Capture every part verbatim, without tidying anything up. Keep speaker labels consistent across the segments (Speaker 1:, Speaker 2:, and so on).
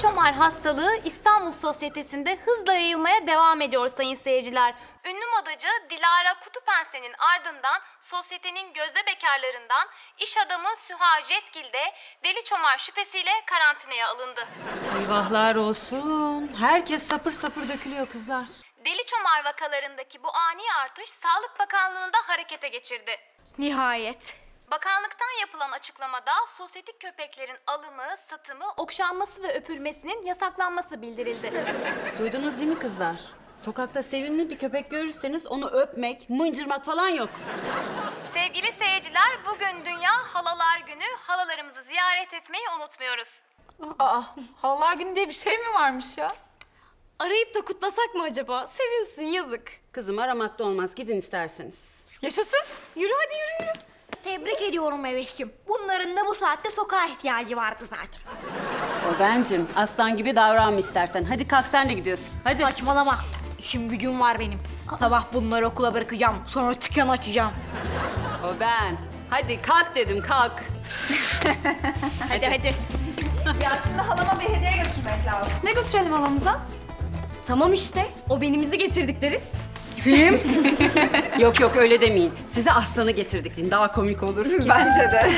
Speaker 1: çomar hastalığı İstanbul sosyetesinde hızla yayılmaya devam ediyor sayın seyirciler. Ünlü modacı Dilara Kutupense'nin ardından sosyetenin gözde bekarlarından iş adamı Süha Jetgil de deli çomar şüphesiyle karantinaya alındı.
Speaker 2: Eyvahlar olsun. Herkes sapır sapır dökülüyor kızlar.
Speaker 1: Deli çomar vakalarındaki bu ani artış Sağlık Bakanlığı'nda harekete geçirdi.
Speaker 3: Nihayet.
Speaker 1: Bakanlıktan yapılan açıklamada sosyetik köpeklerin alımı, satımı, okşanması ve öpülmesinin yasaklanması bildirildi.
Speaker 2: Duydunuz değil mi kızlar? Sokakta sevimli bir köpek görürseniz onu öpmek, mıncırmak falan yok.
Speaker 1: Sevgili seyirciler, bugün Dünya Halalar Günü. Halalarımızı ziyaret etmeyi unutmuyoruz.
Speaker 3: Aa, Halalar Günü diye bir şey mi varmış ya? Arayıp da kutlasak mı acaba? Sevinsin, yazık.
Speaker 2: Kızım aramakta olmaz. Gidin isterseniz.
Speaker 3: Yaşasın. Yürü hadi yürü yürü.
Speaker 4: Tebrik ediyorum Eveş'cim. Bunların da bu saatte sokağa ihtiyacı vardı zaten.
Speaker 2: O bencim. Aslan gibi davranma istersen. Hadi kalk sen de gidiyorsun. Hadi.
Speaker 4: Saçmalama. İşim gücüm var benim. Sabah bunları okula bırakacağım. Sonra dükkan açacağım.
Speaker 2: O ben. Hadi kalk dedim kalk.
Speaker 3: Hadi hadi. Ya şimdi halama bir hediye götürmek lazım. Ne götürelim halamıza? Tamam işte. O benimizi getirdik deriz.
Speaker 2: Yok yok öyle demeyin. Size aslanı getirdik deyin. Daha komik olur.
Speaker 3: Bence de.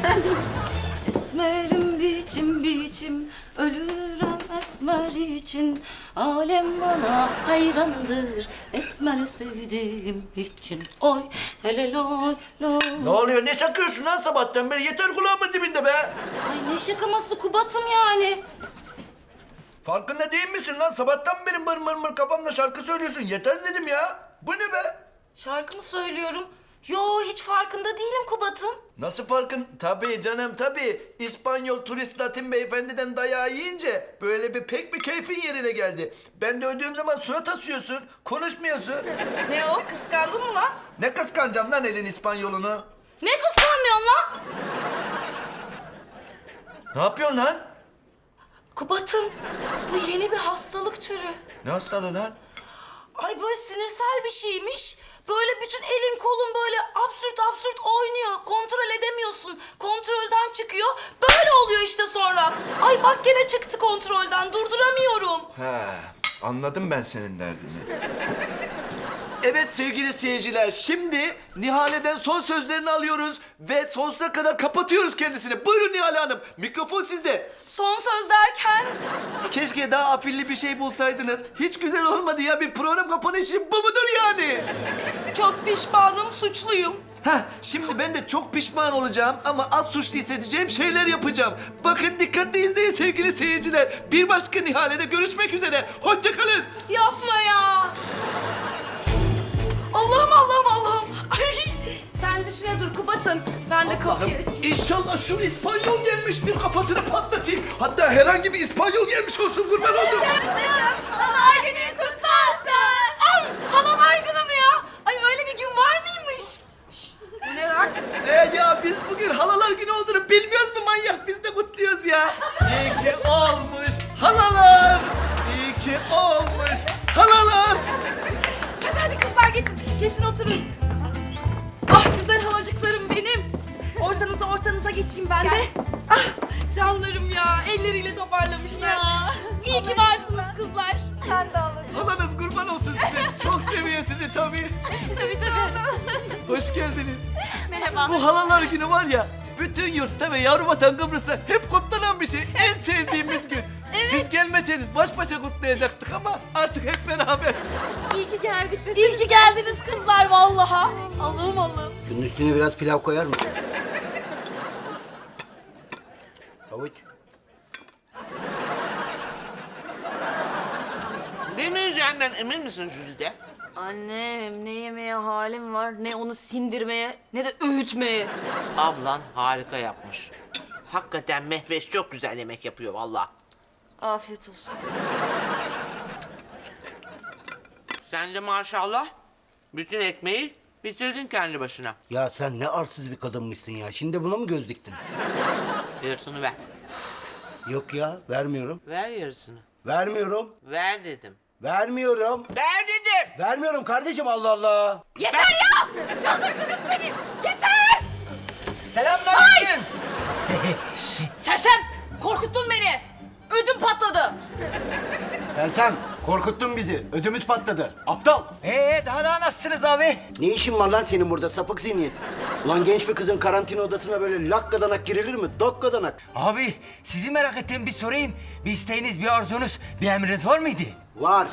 Speaker 5: Esmerim biçim biçim, ölürüm esmer için. Alem bana hayrandır, esmer sevdiğim için. Oy hele loy loy.
Speaker 6: Ne oluyor? Ne şakıyorsun lan sabahtan beri? Yeter kulağımın dibinde be!
Speaker 5: Ay ne şakaması Kubat'ım yani.
Speaker 6: Farkında değil misin lan? Sabahtan beri mır mır mır kafamda şarkı söylüyorsun. Yeter dedim ya. Bu ne be?
Speaker 5: Şarkı mı söylüyorum? Yo hiç farkında değilim Kubat'ım.
Speaker 6: Nasıl farkın? Tabii canım tabii. İspanyol turist Latin beyefendiden dayağı yiyince böyle bir pek bir keyfin yerine geldi. Ben de öldüğüm zaman surat asıyorsun, konuşmuyorsun.
Speaker 5: Ne o kıskandın mı lan?
Speaker 6: Ne kıskanacağım lan elin İspanyolunu?
Speaker 5: Ne kıskanmıyorsun lan?
Speaker 6: Ne yapıyorsun lan?
Speaker 5: Kubat'ım bu yeni bir hastalık türü.
Speaker 6: Ne hastalığı lan?
Speaker 5: Ay böyle sinirsel bir şeymiş. Böyle bütün elin kolun böyle absürt absürt oynuyor. Kontrol edemiyorsun. Kontrolden çıkıyor. Böyle oluyor işte sonra. Ay bak gene çıktı kontrolden. Durduramıyorum.
Speaker 6: He, anladım ben senin derdini. Evet sevgili seyirciler, şimdi Nihale'den son sözlerini alıyoruz ve sonsuza kadar kapatıyoruz kendisini. Buyurun Nihale Hanım, mikrofon sizde.
Speaker 5: Son söz derken
Speaker 6: Keşke daha afilli bir şey bulsaydınız. Hiç güzel olmadı ya, bir program kapanışı bu mudur yani?
Speaker 5: çok pişmanım, suçluyum.
Speaker 6: Heh, şimdi ben de çok pişman olacağım ama az suçlu hissedeceğim şeyler yapacağım. Bakın dikkatli izleyin sevgili seyirciler. Bir başka Nihale'de görüşmek üzere. Hoşça kalın.
Speaker 5: Yapma ya. Allah'ım Allah'ım Allah'ım. Ay, sen düşüne dur Kubat'ım. Ben de kalkayım.
Speaker 6: İnşallah şu İspanyol gelmiştir, kafasını patlatayım. Hatta herhangi bir İspanyol gelmiş olsun, kurban oldum.
Speaker 5: Halalar günü kutlu olsun. Ay halalar günü mü ya? Ay öyle bir gün var mıymış? Bu ne lan?
Speaker 6: Ee ya biz bugün halalar günü olduğunu bilmiyoruz mu manyak? Biz de kutluyoruz ya. İyi ki olmuş halalar. İyi ki olmuş halalar.
Speaker 5: Hadi hadi kızlar geçin. Geçin oturun. Ah güzel halacıklarım benim. Ortanıza ortanıza geçeyim ben de. Ah canlarım ya. Elleriyle toparlamışlar. İyi ki varsınız kızlar.
Speaker 3: Sen de alın.
Speaker 6: Halanız kurban olsun size. Çok seviyor sizi tabii.
Speaker 3: Tabii tabii.
Speaker 6: Hoş geldiniz.
Speaker 3: Merhaba.
Speaker 6: Bu halalar günü var ya, bütün yurtta ve yavru vatan Kıbrıs'ta hep kutlanan bir şey. En sevdiğimiz gün. Siz gelmeseniz baş başa kutlayacaktık ama artık hep beraber.
Speaker 3: İyi ki geldik de
Speaker 5: İyi ki geldiniz kızlar vallaha. Allah'ım Allah'ım.
Speaker 7: Şunun üstüne biraz pilav koyar mısın? Havuç.
Speaker 8: Demeyeceğinden emin misin Jülide?
Speaker 2: Annem ne yemeye halim var, ne onu sindirmeye, ne de öğütmeye.
Speaker 8: Ablan harika yapmış. Hakikaten Mehveş çok güzel yemek yapıyor vallahi.
Speaker 2: Afiyet olsun.
Speaker 8: Sen de maşallah bütün ekmeği bitirdin kendi başına.
Speaker 7: Ya sen ne arsız bir kadınmışsın ya. Şimdi buna mı göz diktin?
Speaker 8: Yarısını ver.
Speaker 7: Yok ya, vermiyorum.
Speaker 8: Ver yarısını.
Speaker 7: Vermiyorum.
Speaker 8: Ver dedim.
Speaker 7: Vermiyorum.
Speaker 8: Ver dedim.
Speaker 7: Vermiyorum kardeşim, Allah Allah.
Speaker 3: Yeter ya! Çıldırttınız beni! Yeter!
Speaker 6: Selamünaleyküm.
Speaker 3: Sersem! Korkuttun beni! Ödüm patladı.
Speaker 7: Meltem korkuttun bizi. Ödümüz patladı. Aptal.
Speaker 9: Ee daha da nasılsınız abi?
Speaker 7: Ne işin var lan senin burada sapık zihniyet? Ulan genç bir kızın karantina odasına böyle lakkadanak girilir mi? Dokkadanak.
Speaker 9: Abi sizi merak ettiğim bir sorayım. Bir isteğiniz, bir arzunuz, bir emriniz var mıydı?
Speaker 7: Var.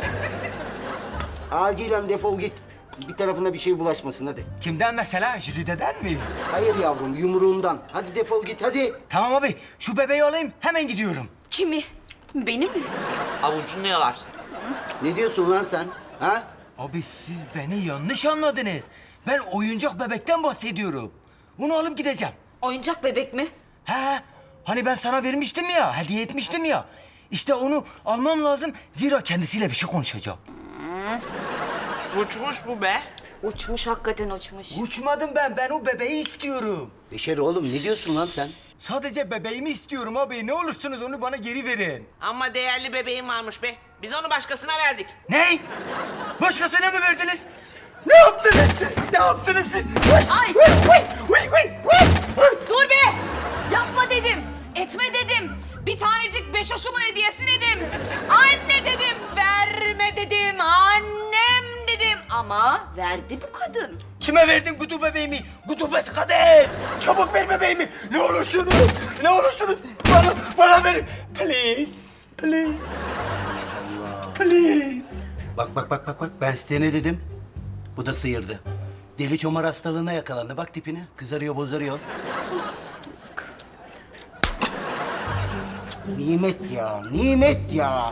Speaker 7: Acilen defol git. Bir tarafına bir şey bulaşmasın hadi.
Speaker 9: Kimden mesela? Jülide'den mi?
Speaker 7: Hayır yavrum yumruğundan. Hadi defol git hadi.
Speaker 9: Tamam abi şu bebeği alayım hemen gidiyorum.
Speaker 3: Kimi? Beni mi?
Speaker 8: Avucunu yalarsın.
Speaker 7: Ne diyorsun lan sen? Ha?
Speaker 9: Abi siz beni yanlış anladınız. Ben oyuncak bebekten bahsediyorum. Onu alıp gideceğim.
Speaker 3: Oyuncak bebek mi?
Speaker 9: He, hani ben sana vermiştim ya, hediye etmiştim ya. İşte onu almam lazım. Zira kendisiyle bir şey konuşacağım.
Speaker 8: Uçmuş bu be.
Speaker 3: Uçmuş, hakikaten uçmuş.
Speaker 9: Uçmadım ben, ben o bebeği istiyorum.
Speaker 7: Beşer oğlum ne diyorsun lan sen?
Speaker 9: Sadece bebeğimi istiyorum abi. Ne olursunuz onu bana geri verin.
Speaker 8: Ama değerli bebeğim varmış be. Biz onu başkasına verdik.
Speaker 9: Ne? Başkasına mı verdiniz? Ne yaptınız siz? Ne yaptınız siz?
Speaker 3: Ay!
Speaker 9: Vıy, vıy, vıy, vıy.
Speaker 3: Dur be! Yapma dedim, etme dedim. Bir tanecik beşoşumun hediyesi dedim. Anne dedim, verme dedim. Annem dedim. Ama verdi bu kadın.
Speaker 9: Kime verdin kutu bebeğimi? Kutubet kadın! Çabuk ver bebeğimi! Ne olursunuz! Ne olursunuz! Bana, bana verin! Please! Please! Please!
Speaker 7: Bak bak bak bak bak ben size ne dedim? Bu da sıyırdı. Deli çomar hastalığına yakalandı. Bak tipine. Kızarıyor bozarıyor. Nimet ya, nimet ya.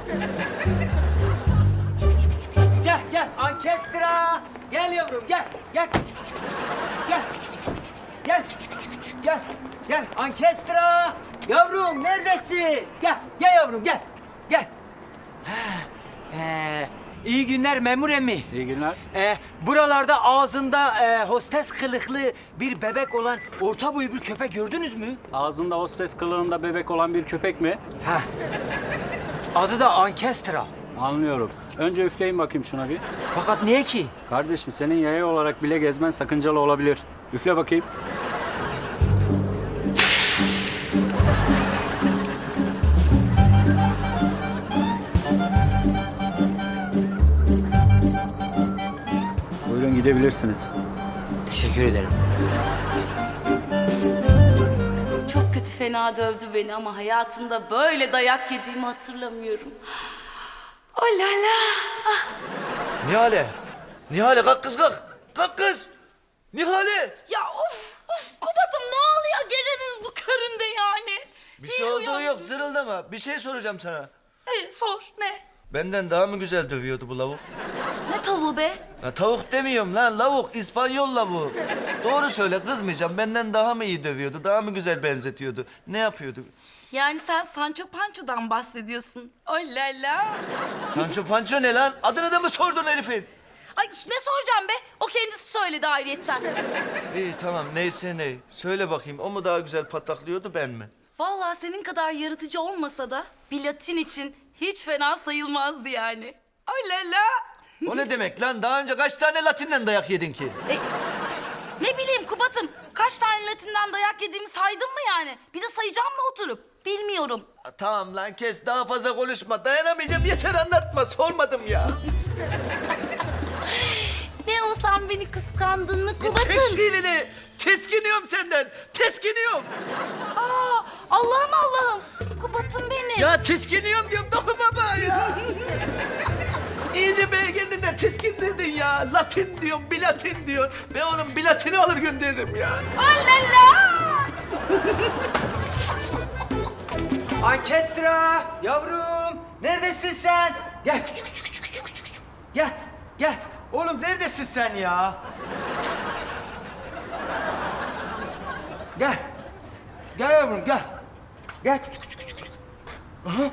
Speaker 9: Gel gel ankestra! Gel yavrum gel! Gel küçük küçük küçük küçük gel küçük küçük küçük gel küçük küçük küçük gel gel ankestra! Yavrum neredesin? Gel gel yavrum gel gel. Ha, ee, iyi günler memur emmi.
Speaker 10: İyi günler.
Speaker 9: Ee, buralarda ağzında e, hostes kılıklı bir bebek olan orta boylu bir köpek gördünüz mü?
Speaker 10: Ağzında hostes kılığında bebek olan bir köpek mi?
Speaker 9: Ha. Adı da ankestra.
Speaker 10: Anlıyorum. Önce üfleyin bakayım şuna bir.
Speaker 9: Fakat niye ki?
Speaker 10: Kardeşim senin yaya olarak bile gezmen sakıncalı olabilir. Üfle bakayım. Buyurun gidebilirsiniz.
Speaker 9: Teşekkür ederim.
Speaker 2: Çok kötü fena dövdü beni ama hayatımda böyle dayak yediğimi hatırlamıyorum. Oh la la.
Speaker 6: Nihale. Nihale kalk kız kalk. Kalk kız. Nihale.
Speaker 3: Ya of of Kubat'ım ne oluyor gecenin bu köründe yani?
Speaker 6: Bir şey olduğu yok zırıldama. Bir şey soracağım sana.
Speaker 3: Ee, sor ne?
Speaker 6: Benden daha mı güzel dövüyordu bu lavuk?
Speaker 3: Ne tavuğu be?
Speaker 6: Ya tavuk demiyorum lan lavuk. İspanyol lavuğu. Doğru söyle kızmayacağım. Benden daha mı iyi dövüyordu? Daha mı güzel benzetiyordu? Ne yapıyordu?
Speaker 3: Yani sen Sancho Pancho'dan bahsediyorsun. Oh la la.
Speaker 6: Sancho Pancho ne lan? Adını da mı sordun herifin?
Speaker 3: Ay ne soracağım be? O kendisi söyledi ayrıyetten.
Speaker 6: İyi tamam neyse ne. Söyle bakayım o mu daha güzel pataklıyordu ben mi?
Speaker 3: Vallahi senin kadar yaratıcı olmasa da bir Latin için hiç fena sayılmazdı yani. Ay la la.
Speaker 6: O ne demek lan? Daha önce kaç tane Latin'den dayak yedin ki?
Speaker 3: E, ne bileyim Kubat'ım, kaç tane Latin'den dayak yediğimi saydın mı yani? Bir de sayacağım mı oturup? Bilmiyorum.
Speaker 6: Ha, tamam lan kes daha fazla konuşma. Dayanamayacağım yeter anlatma. Sormadım ya.
Speaker 3: Ne o sen beni kıskandın mı
Speaker 6: Çek
Speaker 3: Kubat'ım?
Speaker 6: şiirini. Teskiniyorum senden. Teskiniyorum.
Speaker 3: Aa, Allah'ım Allah'ım. Kubat'ım benim.
Speaker 6: Ya teskiniyorum diyorum dokunma bana ya. İyice beğendiğinden teskindirdin ya. Latin diyorum, bilatin diyorsun. Ben onun bilatini alır gönderirim ya.
Speaker 3: Alala.
Speaker 9: Ankestra! Yavrum! Neredesin sen? Gel küçük küçük küçük küçük küçük. küçük. Gel, gel. Oğlum neredesin sen ya? Gel. Gel yavrum gel. Gel küçük küçük küçük küçük. Aha.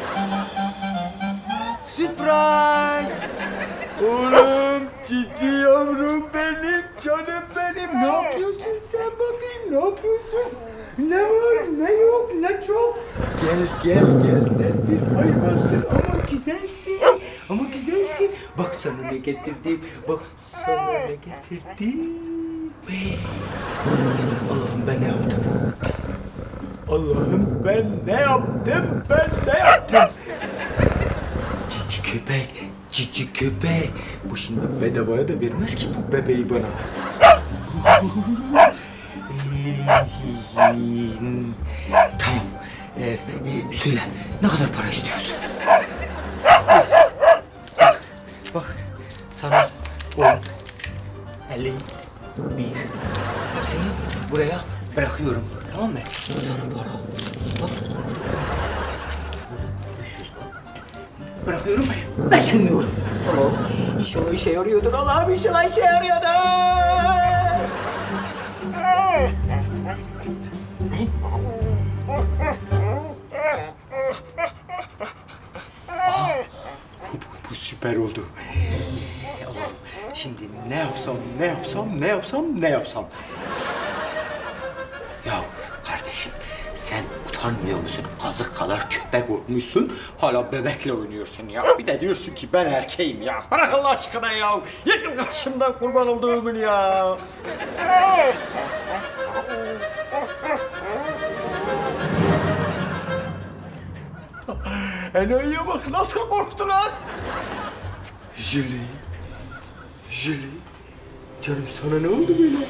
Speaker 9: Surprise! Oğlum, cici yavrum benim, canım benim. Ne yapıyorsun sen bakayım, ne yapıyorsun? Ne var, ne yok, ne çok. Gel, gel, gel sen bir hayvansın ama güzelsin. Ama güzelsin. Bak sana ne getirdim, bak sana ne getirdim. Allah'ım ben ne yaptım? Allah'ım ben ne yaptım? Ben ne yaptım? Cici köpek, cici köpek. Bu şimdi bedavaya da vermez ki bu bebeği bana. Tamam. Ee, e, söyle, ne kadar para istiyorsun? Bak, bak sana on, elli, bir. Hepsini buraya bırakıyorum. Tamam mı? Bu sana para. Bak, beş yüz bak. Bırakıyorum ben. Ben sunmuyorum. Tamam. İnşallah işe yarıyordur. Allah'ım inşallah işe yarıyordur. Bu süper oldu. Allah'ım şimdi ne yapsam, ne yapsam, ne yapsam, ne yapsam. Ya kardeşim sen utanmıyor musun? Kazık kadar köpek olmuşsun. Hala bebekle oynuyorsun ya. Bir de diyorsun ki ben erkeğim ya. Bırak Allah aşkına ya. Yıkıl karşımdan kurban olduğumun ya. Enayiye bak nasıl korktular. Julie, Julie, canım sana ne oldu böyle?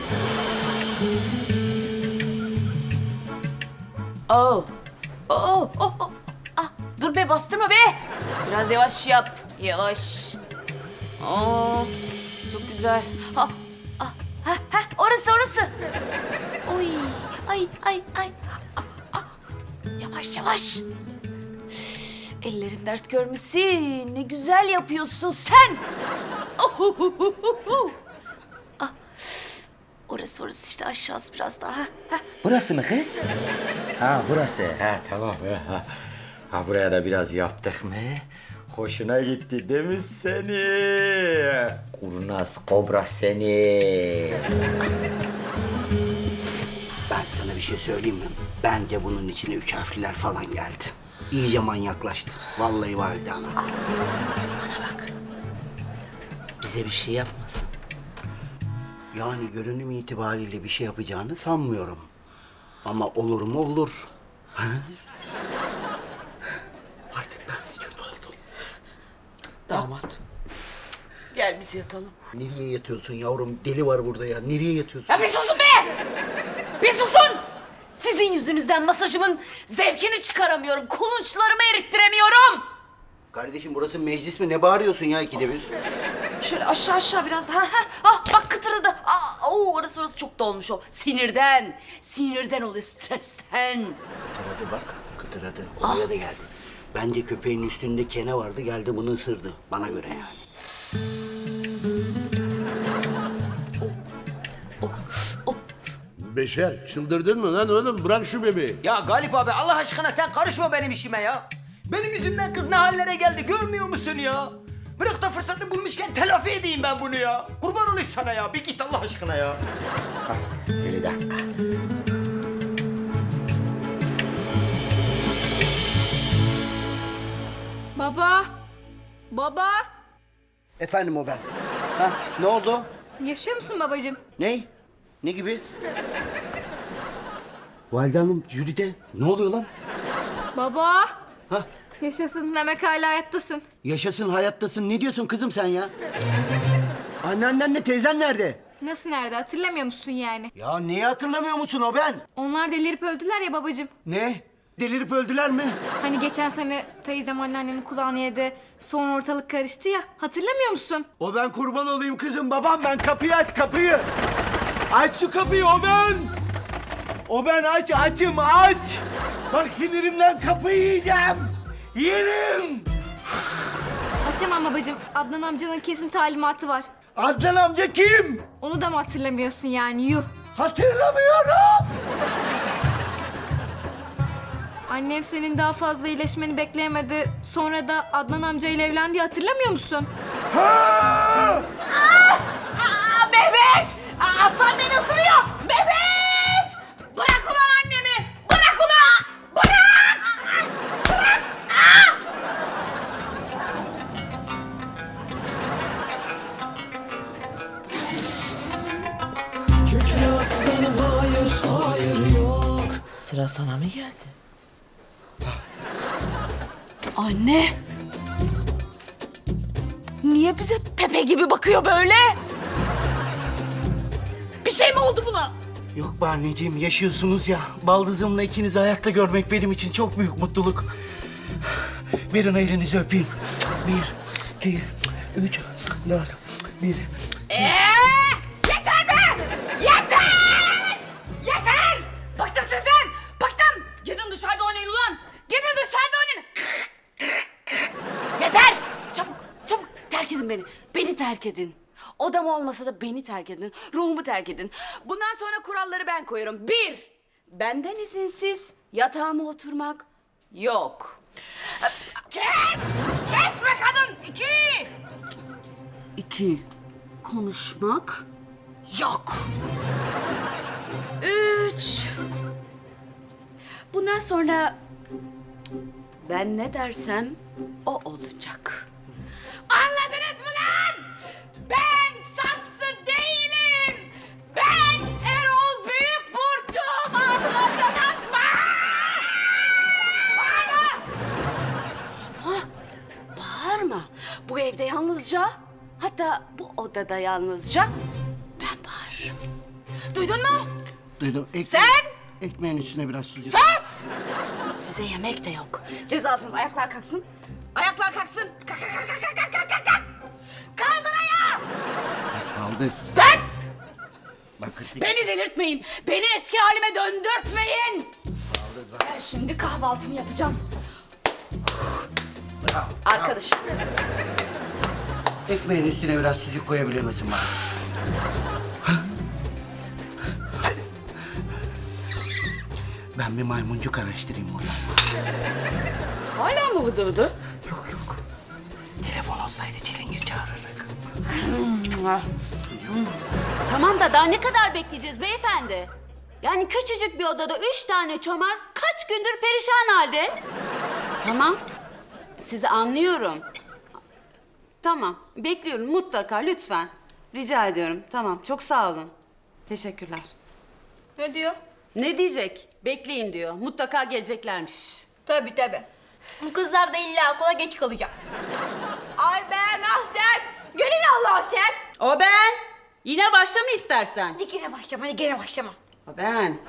Speaker 3: Oh. Oh, oh, oh. Ah, dur be bastırma be. Biraz yavaş yap. Yavaş. Oo, çok güzel. Ha, ah, ha, ha, orası orası. Oy, ay, ay, ay. Ah, ah. Yavaş yavaş. Ellerin dert görmesin. Ne güzel yapıyorsun sen. Ohuhuhuhu. Ah, orası orası işte aşağısı biraz daha. Ha.
Speaker 9: Burası mı kız? Ha burası. Ha tamam. Ha, ha buraya da biraz yaptık mı? Hoşuna gitti değil mi seni? Kurnaz kobra seni.
Speaker 7: Ben sana bir şey söyleyeyim mi? Bence bunun içine üç harfliler falan geldi. İyice manyaklaştı. Vallahi valide ana.
Speaker 8: Bana bak. Bize bir şey yapmasın.
Speaker 7: Yani görünüm itibariyle bir şey yapacağını sanmıyorum. Ama olur mu olur. Ha? Artık ben de kötü oldum.
Speaker 8: Damat. Gel biz yatalım.
Speaker 7: Nereye yatıyorsun yavrum? Deli var burada ya. Nereye yatıyorsun?
Speaker 3: Ya bir susun be! Bir susun! Sizin yüzünüzden masajımın zevkini çıkaramıyorum. Kulunçlarımı erittiremiyorum.
Speaker 7: Kardeşim burası meclis mi? Ne bağırıyorsun ya ikide bir?
Speaker 3: Şöyle aşağı aşağı biraz daha. Ha, ah bak kıtırdı. Ah, oo, orası orası çok dolmuş o. Sinirden. Sinirden oluyor, stresten.
Speaker 7: Kıtıradı bak. Kıtıradı. Oraya da geldi. Bence köpeğin üstünde kene vardı. Geldi bunu ısırdı. Bana göre yani.
Speaker 11: Beşer çıldırdın mı lan oğlum? Bırak şu bebeği.
Speaker 9: Ya Galip abi Allah aşkına sen karışma benim işime ya. Benim yüzümden kız ne hallere geldi görmüyor musun ya? Bırak da fırsatı bulmuşken telafi edeyim ben bunu ya. Kurban olayım sana ya. Bir git Allah aşkına ya. Hah, Feride.
Speaker 4: Baba. Baba.
Speaker 7: Efendim o ben. Ha, ne oldu?
Speaker 4: Yaşıyor musun babacığım?
Speaker 7: Ne? Ne gibi? Valide Hanım, Jülide. Ne oluyor lan?
Speaker 4: Baba.
Speaker 7: Ha?
Speaker 4: Yaşasın demek hala hayattasın.
Speaker 7: Yaşasın, hayattasın. Ne diyorsun kızım sen ya? Anneannenle teyzen nerede?
Speaker 4: Nasıl nerede hatırlamıyor musun yani?
Speaker 7: Ya neyi hatırlamıyor musun o ben?
Speaker 4: Onlar delirip öldüler ya babacığım.
Speaker 7: Ne? Delirip öldüler mi?
Speaker 4: Hani geçen sene teyzem anneannemin kulağını yedi. Sonra ortalık karıştı ya. Hatırlamıyor musun?
Speaker 9: O ben kurban olayım kızım babam ben kapıyı aç kapıyı. Aç şu kapıyı o ben. O ben aç açım aç. Bak sinirimden kapıyı yiyeceğim. Yerim.
Speaker 4: Açamam babacığım. Adnan amcanın kesin talimatı var.
Speaker 9: Adnan amca kim?
Speaker 4: Onu da mı hatırlamıyorsun yani yuh.
Speaker 9: Hatırlamıyorum.
Speaker 4: Annem senin daha fazla iyileşmeni bekleyemedi. Sonra da Adnan amcayla evlendi hatırlamıyor musun?
Speaker 9: Ha!
Speaker 3: Aa, Mehmet! Aa, aslan beni ısırıyor! Mehmet! Bırak ulan annemi! Bırak ulan! Bırak! Bırak! Aa!
Speaker 8: Sırası sana mı geldi?
Speaker 3: Anne. Niye bize Pepe gibi bakıyor böyle? Bir şey mi oldu buna?
Speaker 7: Yok be anneciğim, yaşıyorsunuz ya. Baldızımla ikinizi hayatta görmek benim için çok büyük mutluluk. Verin elinizi öpeyim. Bir, iki, üç, dört, bir.
Speaker 3: Ee, yeter be! Yeter! Yeter! Bıktım sizden! Bıktım! Gidin dışarıda oynayın ulan! Gidin dışarıda oynayın! Yeter! Çabuk, çabuk terk edin beni. Beni terk edin. Odam olmasa da beni terk edin. Ruhumu terk edin. Bundan sonra kuralları ben koyuyorum. Bir, benden izinsiz yatağıma oturmak yok. Kes! Kes be kadın! İki! İki, konuşmak yok. Üç, bundan sonra ben ne dersem o olacak. Anladınız mı lan? Ben saksı değilim. Ben Erol Büyükburcu'm, anladınız mı? Bağırma! Ama bağırma. Bu evde yalnızca, hatta bu odada yalnızca ben bağırırım. Duydun mu?
Speaker 7: Duydum. Ek-
Speaker 3: Sen?
Speaker 7: Ekmeğin üstüne biraz sucuk.
Speaker 3: Sus! Size yemek de yok. Cezasınız. Ayaklar kalksın. Ayaklar kalksın. Kalk, kalk, kalk, kalk, kalk, kalk, kalk, kalk. Kaldır ayağı.
Speaker 7: Baldız.
Speaker 3: Ben!
Speaker 7: Bak hadi.
Speaker 3: Beni delirtmeyin. Beni eski halime döndürtmeyin. Ben şimdi kahvaltımı yapacağım. Arkadaşım.
Speaker 7: Ekmeğin üstüne biraz sucuk koyabilir misin bana? Ben bir maymuncuk araştırayım burada.
Speaker 3: Hala mı vıdı vıdı?
Speaker 7: Telefon olsaydı çilingir çağırırdık.
Speaker 2: Tamam da daha ne kadar bekleyeceğiz beyefendi? Yani küçücük bir odada üç tane çomar kaç gündür perişan halde? Tamam. Sizi anlıyorum. Tamam. Bekliyorum mutlaka lütfen. Rica ediyorum. Tamam. Çok sağ olun. Teşekkürler.
Speaker 4: Ne diyor?
Speaker 2: Ne diyecek? Bekleyin diyor. Mutlaka geleceklermiş.
Speaker 4: Tabii tabii. Bu kızlar da illa okula geç kalacak. Ay ben Ahsen. Gönül Allah sen.
Speaker 2: O ben. Yine başlama istersen.
Speaker 4: Hadi gene başlama, hadi gene başlama.
Speaker 2: O ben.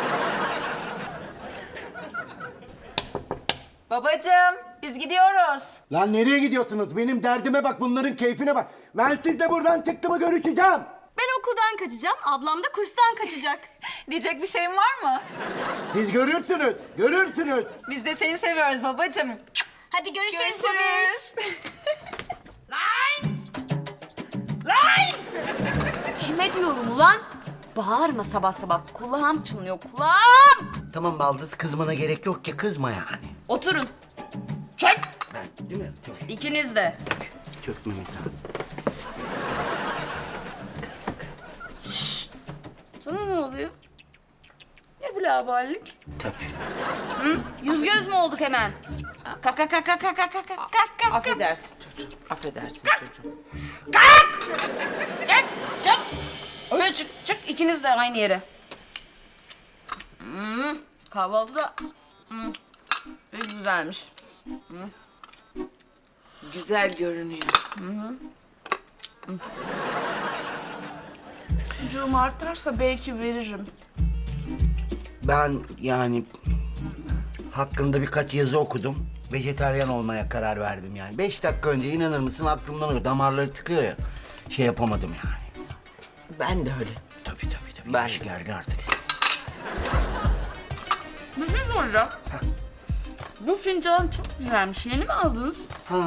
Speaker 5: Babacığım biz gidiyoruz.
Speaker 7: Lan nereye gidiyorsunuz? Benim derdime bak, bunların keyfine bak. Ben sizle buradan çıktı mı görüşeceğim.
Speaker 4: Ben okuldan kaçacağım, ablam da kurstan kaçacak.
Speaker 5: Diyecek bir şeyin var mı?
Speaker 7: Siz görürsünüz, görürsünüz.
Speaker 5: Biz de seni seviyoruz babacığım.
Speaker 4: Hadi görüşürüz.
Speaker 5: Görüşürüz.
Speaker 3: Lan! Lan! Kime diyorum ulan? Bağırma sabah sabah. Kulağım çınlıyor, kulağım.
Speaker 7: Tamam Baldız, kızmana gerek yok ki, kızma yani.
Speaker 2: Oturun.
Speaker 3: Çök!
Speaker 7: Ben, değil mi? Çök,
Speaker 2: İkiniz de.
Speaker 7: çökmemek lazım.
Speaker 3: Sana ne oluyor? Ne bu laballik?
Speaker 7: Tabii.
Speaker 3: Yüz göz mü olduk hemen? Kalk kalk kalk kalk kalk kalk kalk kalk kalk.
Speaker 8: Affedersin çocuğum. Affedersin çocuğum.
Speaker 3: Kalk! Gel, gel. Öyle çık, çık ikiniz de aynı yere. Hmm, kahvaltı da hmm, ne güzelmiş.
Speaker 8: Güzel görünüyor.
Speaker 3: Sucuğum artarsa belki veririm.
Speaker 7: Ben yani hakkında birkaç yazı okudum. Vejetaryen olmaya karar verdim yani. Beş dakika önce, inanır mısın, aklımdan o damarları tıkıyor ya. Şey yapamadım yani.
Speaker 8: Ben de öyle.
Speaker 7: Tabii tabii tabii.
Speaker 8: Ben-
Speaker 7: Yaş geldi artık.
Speaker 3: Bir şey soracağım. Bu fincan çok güzelmiş. Yeni mi aldınız?
Speaker 7: Ha.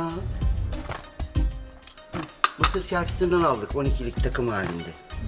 Speaker 7: Mısır çarşısından aldık, on ikilik takım halinde.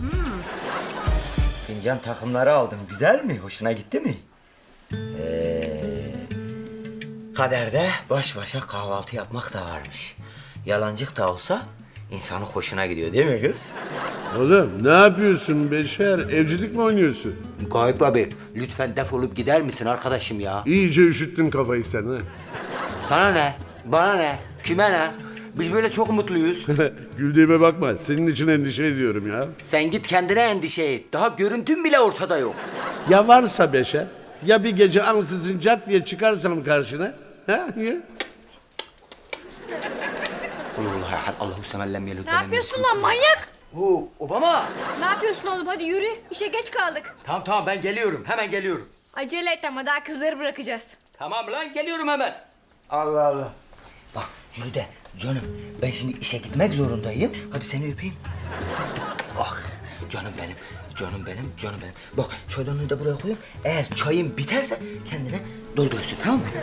Speaker 9: Fincan takımları aldım. Güzel mi? Hoşuna gitti mi? Ee, kaderde baş başa kahvaltı yapmak da varmış. Yalancık da olsa insanın hoşuna gidiyor değil mi kız?
Speaker 11: Oğlum ne yapıyorsun Beşer? Evcilik mi oynuyorsun?
Speaker 9: Gayip abi lütfen defolup gider misin arkadaşım ya?
Speaker 11: İyice üşüttün kafayı sen ha.
Speaker 9: Sana ne? Bana ne? Kime ne? Biz böyle çok mutluyuz.
Speaker 11: Güldüğüme bakma. Senin için endişe ediyorum ya.
Speaker 9: Sen git kendine endişe et. Daha görüntün bile ortada yok.
Speaker 11: Ya varsa Beşer? Ya bir gece ansızın cart diye çıkarsam karşına? Ha? Ya?
Speaker 4: Ne yapıyorsun lan manyak?
Speaker 9: Oo, Obama.
Speaker 4: Ne yapıyorsun oğlum? Hadi yürü. İşe geç kaldık.
Speaker 9: Tamam tamam ben geliyorum. Hemen geliyorum.
Speaker 4: Acele et ama daha kızları bırakacağız.
Speaker 9: Tamam lan geliyorum hemen.
Speaker 7: Allah Allah. Bak yürü de canım ben şimdi işe gitmek zorundayım. Hadi seni öpeyim. Ah canım benim, canım benim, canım benim. Bak çaydanlığı da buraya koyayım. Eğer çayın biterse kendine doldurursun tamam mı?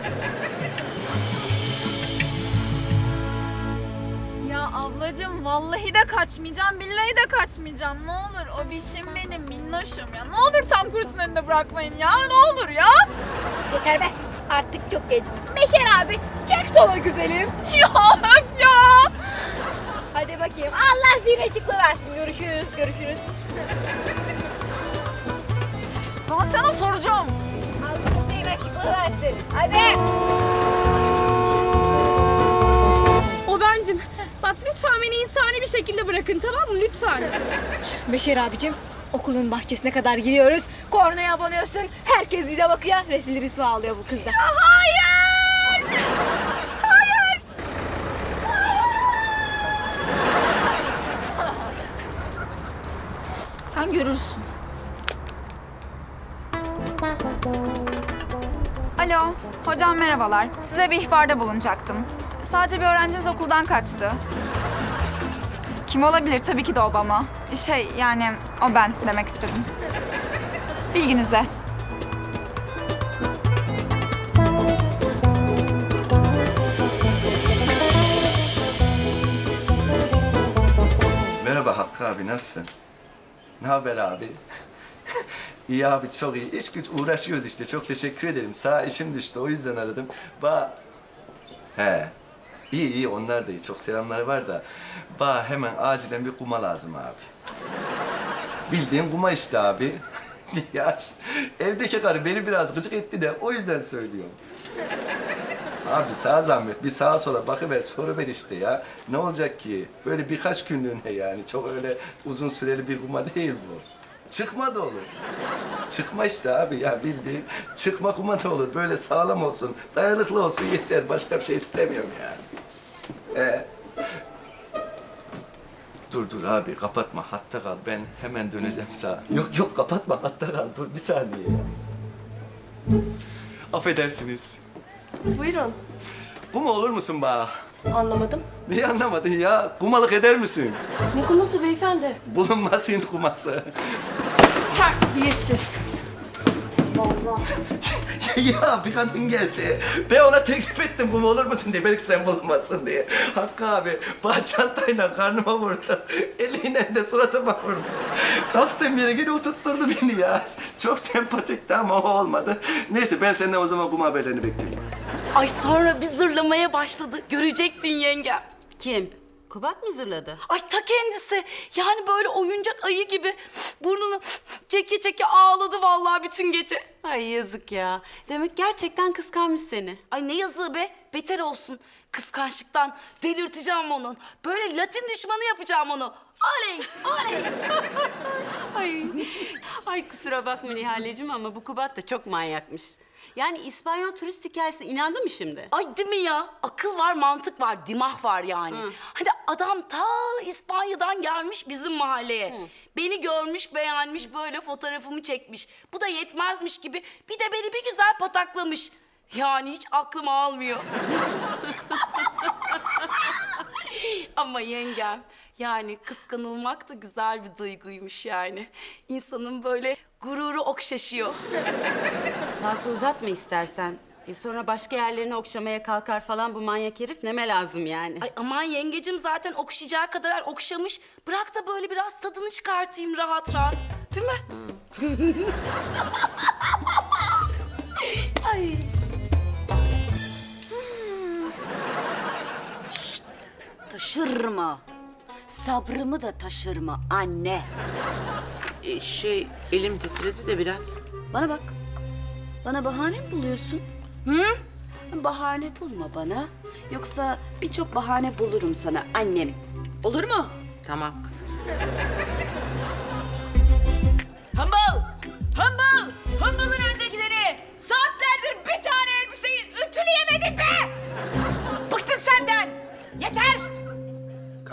Speaker 12: Ya ablacığım vallahi de kaçmayacağım, billahi de kaçmayacağım. Ne olur o bişim benim minnoşum ya. Ne olur tam kursun önünde bırakmayın ya. Ne olur ya.
Speaker 3: Yeter be. Artık çok geç. Beşer abi çek sola güzelim.
Speaker 12: Ya öf ya.
Speaker 3: Hadi bakayım. Allah zihni açıklığı versin. Görüşürüz. Görüşürüz.
Speaker 12: Ben sana soracağım.
Speaker 3: Allah zihni açıklığı versin. Hadi.
Speaker 4: O bencim. Bak lütfen beni insani bir şekilde bırakın tamam mı? Lütfen.
Speaker 3: Beşer abicim okulun bahçesine kadar giriyoruz. Kornaya abanıyorsun. Herkes bize bakıyor. Resil rüsva alıyor bu kızda.
Speaker 12: Hayır. Hayır. Sen görürsün.
Speaker 13: Alo, hocam merhabalar. Size bir ihbarda bulunacaktım. Sadece bir öğrenciniz okuldan kaçtı. Kim olabilir? Tabii ki de Obama. Şey, yani o ben demek istedim. Bilginize.
Speaker 6: Merhaba Hakkı abi, nasılsın? Ne haber abi? İyi abi, çok iyi. İş güç uğraşıyoruz işte. Çok teşekkür ederim. Sağ işim düştü, o yüzden aradım. Ba... He. İyi iyi, onlar da iyi. Çok selamlar var da. Ba hemen acilen bir kuma lazım abi. Bildiğin kuma işte abi. Ya şu- evdeki karı beni biraz gıcık etti de o yüzden söylüyorum. Abi sağ zahmet bir sağa sola bakıver soruver işte ya. Ne olacak ki? Böyle birkaç günlüğüne yani. Çok öyle uzun süreli bir kuma değil bu. Çıkma da olur. Çıkma işte abi ya bildiğin. Çıkma kuma da olur. Böyle sağlam olsun, dayanıklı olsun yeter. Başka bir şey istemiyorum yani. Ee? Dur dur abi kapatma hatta kal. Ben hemen döneceğim sağa. Yok yok kapatma hatta kal. Dur bir saniye ya. Affedersiniz.
Speaker 1: Buyurun.
Speaker 6: Kuma olur musun bana?
Speaker 1: Anlamadım.
Speaker 6: Neyi anlamadın ya? Kumalık eder misin?
Speaker 1: Ne kuması beyefendi?
Speaker 6: Bulunmaz Hint kuması.
Speaker 1: Terbiyesiz.
Speaker 6: Ya bir kadın geldi. Ben ona teklif ettim kuma olur musun diye. Belki sen bulunmazsın diye. Hakkı abi bana çantayla karnıma vurdu. Eliyle de suratıma vurdu. Kalktığım yere geri oturtturdu beni ya. Çok sempatikti ama o olmadı. Neyse ben senden o zaman kuma haberlerini bekliyorum.
Speaker 5: Ay sonra bir zırlamaya başladı. Görecektin yengem.
Speaker 2: Kim? Kubat mı zırladı?
Speaker 5: Ay ta kendisi. Yani böyle oyuncak ayı gibi burnunu çeke çeke ağladı vallahi bütün gece.
Speaker 2: Ay yazık ya. Demek gerçekten kıskanmış seni.
Speaker 5: Ay ne yazığı be. Beter olsun. Kıskançlıktan delirteceğim onun. Böyle Latin düşmanı yapacağım onu. Oley! Oley!
Speaker 2: Ay, ay kusura bakma Nihaleciğim ama bu Kubat da çok manyakmış. Yani İspanyol turist hikayesine inandı mı şimdi?
Speaker 5: Ay değil mi ya? Akıl var, mantık var, dimah var yani.
Speaker 2: Hı.
Speaker 5: Hani adam ta İspanya'dan gelmiş bizim mahalleye.
Speaker 2: Hı.
Speaker 5: Beni görmüş, beğenmiş, böyle fotoğrafımı çekmiş. Bu da yetmezmiş gibi bir de beni bir güzel pataklamış. Yani hiç aklım almıyor. Ama yengem, yani kıskanılmak da güzel bir duyguymuş yani. İnsanın böyle gururu okşaşıyor.
Speaker 2: Fazla uzatma istersen. E sonra başka yerlerini okşamaya kalkar falan bu manyak herif neme lazım yani.
Speaker 5: Ay aman yengecim zaten okşayacağı kadar okşamış. Bırak da böyle biraz tadını çıkartayım rahat rahat. Değil mi? Ay.
Speaker 2: Taşırma. Sabrımı da taşırma anne.
Speaker 8: Ee, şey elim titredi de biraz.
Speaker 2: Bana bak. Bana bahane mi buluyorsun? Hı? Bahane bulma bana. Yoksa birçok bahane bulurum sana annem. Olur mu?
Speaker 8: Tamam kızım.
Speaker 3: Hımbıl! Hımbıl! Hımbılın öndekileri!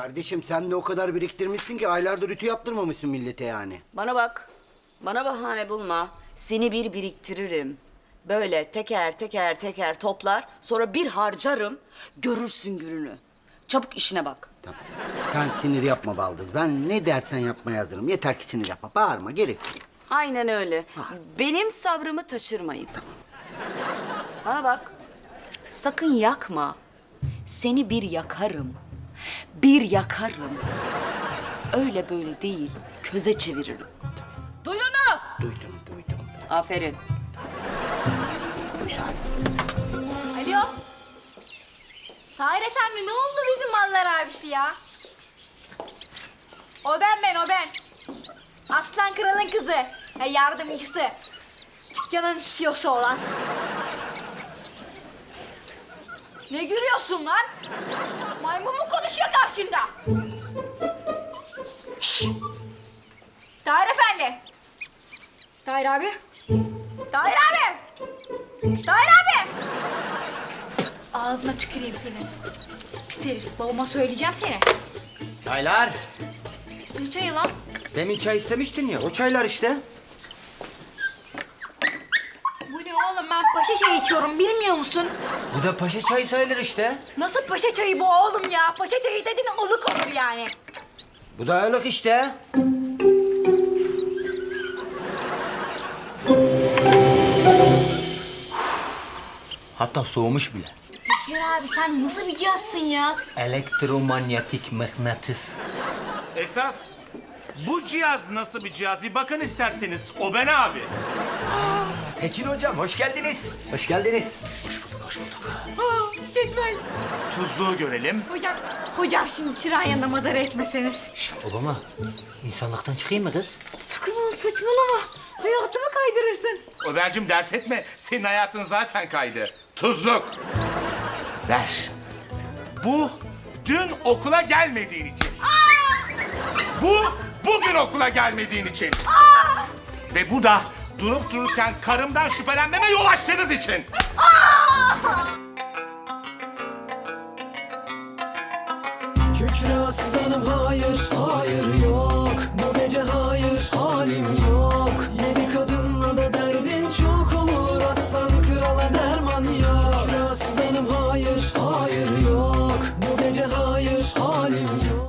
Speaker 7: Kardeşim sen de o kadar biriktirmişsin ki aylardır ütü yaptırmamışsın millete yani.
Speaker 2: Bana bak. Bana bahane bulma. Seni bir biriktiririm. Böyle teker teker teker toplar. Sonra bir harcarım. Görürsün gününü. Çabuk işine bak.
Speaker 7: Tamam. Sen sinir yapma Baldız. Ben ne dersen yapmaya hazırım. Yeter ki sinir yapma. Bağırma gerek yok.
Speaker 2: Aynen öyle. Benim sabrımı taşırmayın. Bana bak. Sakın yakma. Seni bir yakarım. Bir yakarım. Öyle böyle değil. Köze çeviririm. Duydun mu?
Speaker 7: Duydum duydum.
Speaker 2: Aferin.
Speaker 4: Alo. Tahir efendi ne oldu bizim mallar abisi ya? O ben ben o ben. Aslan kralın kızı. Ya yardımcısı. Dükkanın C E O'su olan. Ne gülüyorsun lan? Maymun mu konuşuyor karşında? Şşş! Tahir efendi. Tahir abi. Tahir abi. Tahir abi. Ağzına tüküreyim senin. Pis herif. Babama söyleyeceğim seni.
Speaker 9: Çaylar.
Speaker 4: Ne çayı lan?
Speaker 9: Demin çay istemiştin ya. O çaylar işte.
Speaker 4: Bu ne oğlum? Ben paşa çayı içiyorum. Bilmiyor musun?
Speaker 9: Bu da paşa çayı sayılır işte.
Speaker 4: Nasıl paşa çayı bu oğlum ya? Paşa çayı dedin ılık olur yani.
Speaker 9: Bu da ılık işte. Hatta soğumuş bile.
Speaker 4: Beşer abi sen nasıl bir cihazsın ya?
Speaker 9: Elektromanyetik mıknatıs.
Speaker 14: Esas bu cihaz nasıl bir cihaz? Bir bakın isterseniz. O ben abi.
Speaker 9: Tekin hocam hoş geldiniz. Hoş geldiniz.
Speaker 4: Aa, cetvel.
Speaker 14: Tuzluğu görelim.
Speaker 4: Hocam, hocam şimdi çırağın yanında madara etmeseniz.
Speaker 9: Şş, Obama insanlıktan çıkayım mı kız?
Speaker 4: Sakın ol saçmalama. Hayatımı kaydırırsın.
Speaker 14: Ömer'cim dert etme. Senin hayatın zaten kaydı. Tuzluk.
Speaker 9: Ver.
Speaker 14: Bu dün okula gelmediğin için. Bu bugün okula gelmediğin için. Ve bu da durup dururken karımdan şüphelenmeme yol açtığınız için.
Speaker 15: Kükre aslanım hayır, hayır yok.